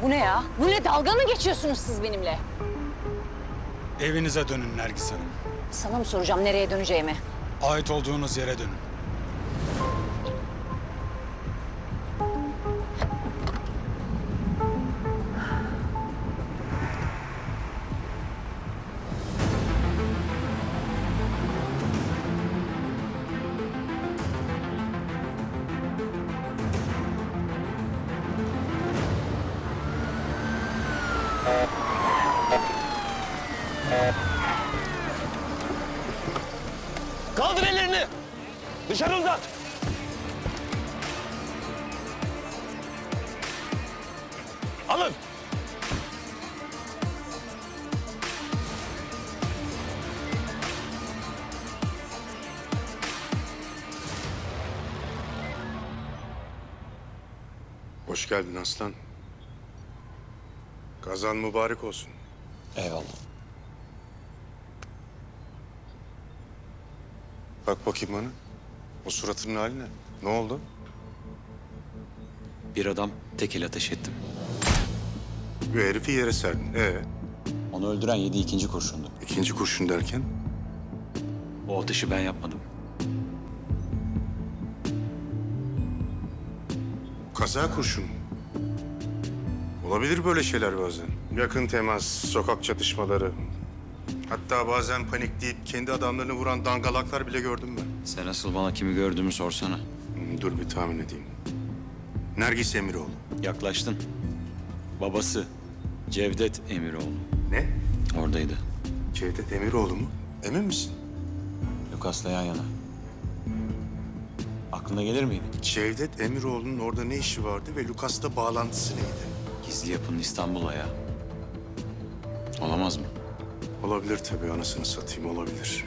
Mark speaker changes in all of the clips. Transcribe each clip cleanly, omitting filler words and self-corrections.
Speaker 1: Bu ne ya? Bu ne? Dalga mı geçiyorsunuz siz benimle?
Speaker 2: Evinize dönün Nergis Hanım.
Speaker 1: Sana mı soracağım nereye döneceğimi?
Speaker 2: Ait olduğunuz yere dönün.
Speaker 3: Kaldır ellerini. Dışarı uzat. Alın.
Speaker 4: Hoş geldin aslan. Kazan mübarek olsun.
Speaker 3: Eyvallah.
Speaker 4: Bak bakayım bana. O suratının haline. Ne oldu?
Speaker 3: Bir adam tekil ateş ettim.
Speaker 4: Bir herifi yere serdin.
Speaker 3: Onu öldüren yedi ikinci kurşundu.
Speaker 4: İkinci kurşun derken?
Speaker 3: O ateşi ben yapmadım.
Speaker 4: Kaza kurşun. Olabilir böyle şeyler bazen. Yakın temas, sokak çatışmaları. Hatta bazen panikleyip kendi adamlarını vuran dangalaklar bile gördüm ben.
Speaker 3: Sen asıl bana kimi gördüğümü sorsana.
Speaker 4: Dur bir tahmin edeyim. Nergis Emiroğlu.
Speaker 3: Yaklaştın. Babası Cevdet Emiroğlu.
Speaker 4: Ne?
Speaker 3: Oradaydı.
Speaker 4: Cevdet Emiroğlu mu? Emin misin?
Speaker 3: Lukas'la yan yana. Aklına gelir miydi?
Speaker 4: Cevdet Emiroğlu'nun orada ne işi vardı ve Lukas'la bağlantısı neydi?
Speaker 3: Gizli yapının İstanbul'a ya. Olamaz mı?
Speaker 4: Olabilir tabii, anasını satayım, olabilir.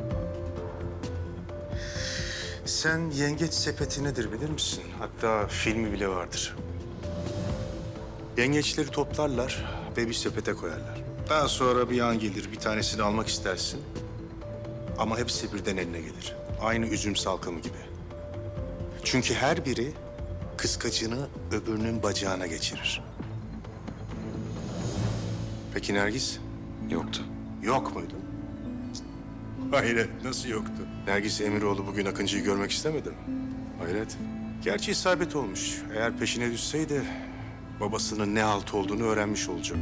Speaker 4: Sen Yengeç Sepeti nedir bilir misin? Hatta filmi bile vardır. Yengeçleri toplarlar ve bir sepete koyarlar. Daha sonra bir an gelir, bir tanesini almak istersin. Ama hepsi birden eline gelir. Aynı üzüm salkımı gibi. Çünkü her biri kıskacını öbürünün bacağına geçirir. Peki Nergis?
Speaker 3: Yoktu.
Speaker 4: Yok muydu? Hayret, nasıl yoktu? Nergis Emiroğlu bugün Akıncı'yı görmek istemedi mi? Hayret. Gerçi isabet olmuş. Eğer peşine düşseydi babasının ne halt olduğunu öğrenmiş olacak.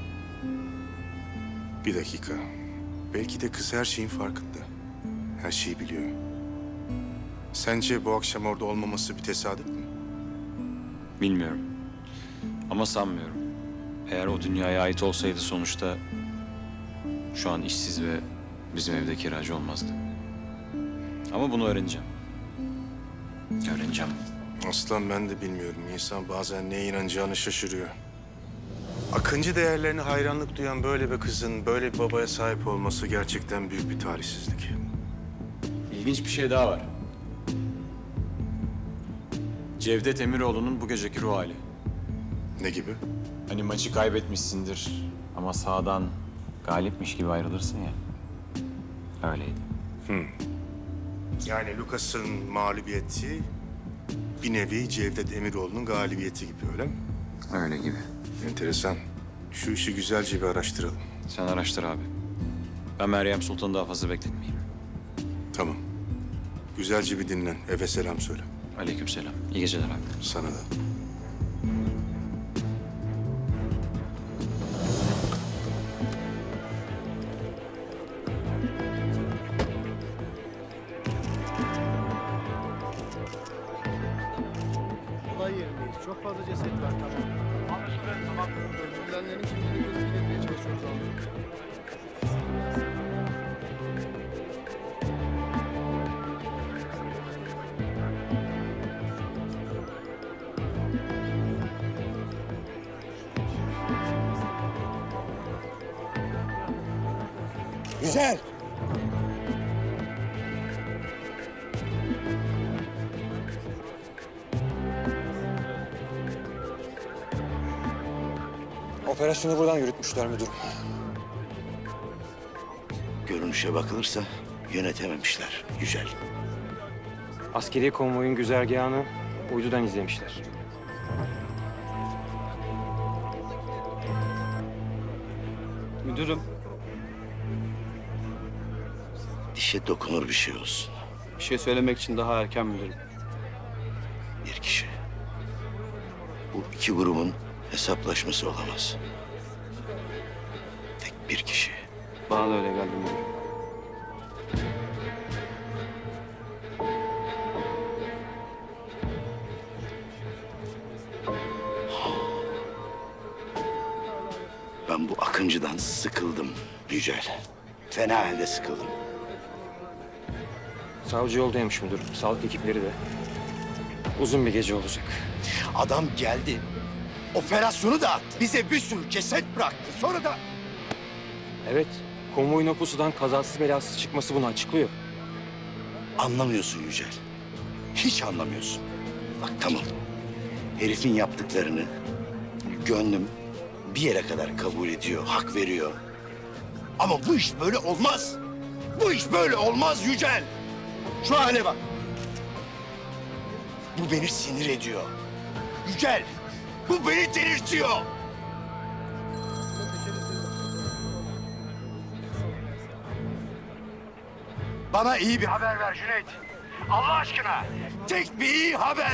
Speaker 4: Bir dakika. Belki de kız her şeyin farkında. Her şeyi biliyor. Sence bu akşam orada olmaması bir tesadüf mü?
Speaker 3: Bilmiyorum. Ama sanmıyorum. Eğer o dünyaya ait olsaydı sonuçta şu an işsiz ve bizim evde kiracı olmazdı. Ama bunu öğreneceğim. Öğreneceğim.
Speaker 4: Aslan, ben de bilmiyorum. İnsan bazen neye inanacağını şaşırıyor. Akıncı değerlerine hayranlık duyan böyle bir kızın böyle bir babaya sahip olması gerçekten büyük bir talihsizlik.
Speaker 3: İlginç bir şey daha var. Cevdet Emiroğlu'nun bu geceki ruh hali.
Speaker 4: Ne gibi?
Speaker 3: Hani maçı kaybetmişsindir ama sağdan galipmiş gibi ayrılırsın ya. Öyleydi.
Speaker 4: Yani Lucas'ın mağlubiyeti bir nevi Cevdet Emiroğlu'nun galibiyeti gibi, öyle mi?
Speaker 3: Öyle gibi.
Speaker 4: Enteresan. Şu işi güzelce bir araştıralım.
Speaker 3: Sen araştır abi. Ben Meryem Sultan'ı daha fazla bekletmeyeyim.
Speaker 4: Tamam. Güzelce bir dinlen. Eve selam söyle.
Speaker 3: Aleykümselam. İyi geceler abi.
Speaker 4: Sana da.
Speaker 5: Olay yerindeyiz. Çok fazla ceset var. Tamam. Anlaşıldı. Tamam. Öldürülenlerin kimliğini tespit etmeye çalışıyoruz abi.
Speaker 6: Güzel. Operasyonu buradan yürütmüşler müdürüm.
Speaker 7: Görünüşe bakılırsa yönetememişler Yücel.
Speaker 6: Askeri konvoyun güzergahını uydudan izlemişler.
Speaker 8: Müdürüm,
Speaker 7: Dişe dokunur bir şey olsun.
Speaker 8: bir şey söylemek için daha erken müdürüm.
Speaker 7: Bir kişi. Bu iki grubun hesaplaşması olamaz. Tek bir kişi.
Speaker 8: Bana da öyle geldi müdürüm.
Speaker 7: Ben bu Akıncı'dan sıkıldım Yücel. Fena halde sıkıldım.
Speaker 6: Savcı yoldaymış müdürüm. Sağlık ekipleri de. Uzun bir gece olacak.
Speaker 7: Adam geldi. Operasyonu dağıttı. Bize bir sürü ceset bıraktı. Sonra da...
Speaker 6: Evet, konvoyun o pusudan kazasız belasız çıkması bunu açıklıyor.
Speaker 7: Anlamıyorsun Yücel. Hiç anlamıyorsun. Bak tamam. Herifin yaptıklarını gönlüm bir yere kadar kabul ediyor, hak veriyor. Ama bu iş böyle olmaz. Bu iş böyle olmaz Yücel. Şu hale bak. Bu beni sinir ediyor. Yücel, bu beni delirtiyor. Bana iyi bir haber ver Cüneyt. Allah aşkına. Tek bir iyi haber.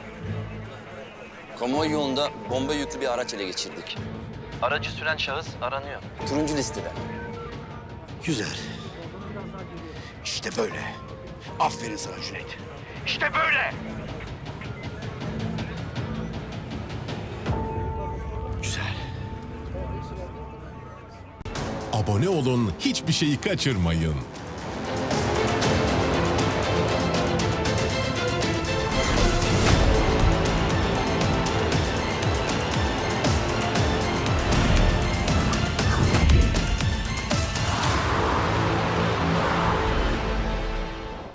Speaker 9: Konvoy yolunda bomba yüklü bir araç ele geçirdik. Aracı süren şahıs aranıyor. Turuncu listede.
Speaker 7: Güzel. İşte böyle. Aferin sana Cüneyt. İşte böyle. Güzel.
Speaker 10: Abone olun, hiçbir şeyi kaçırmayın.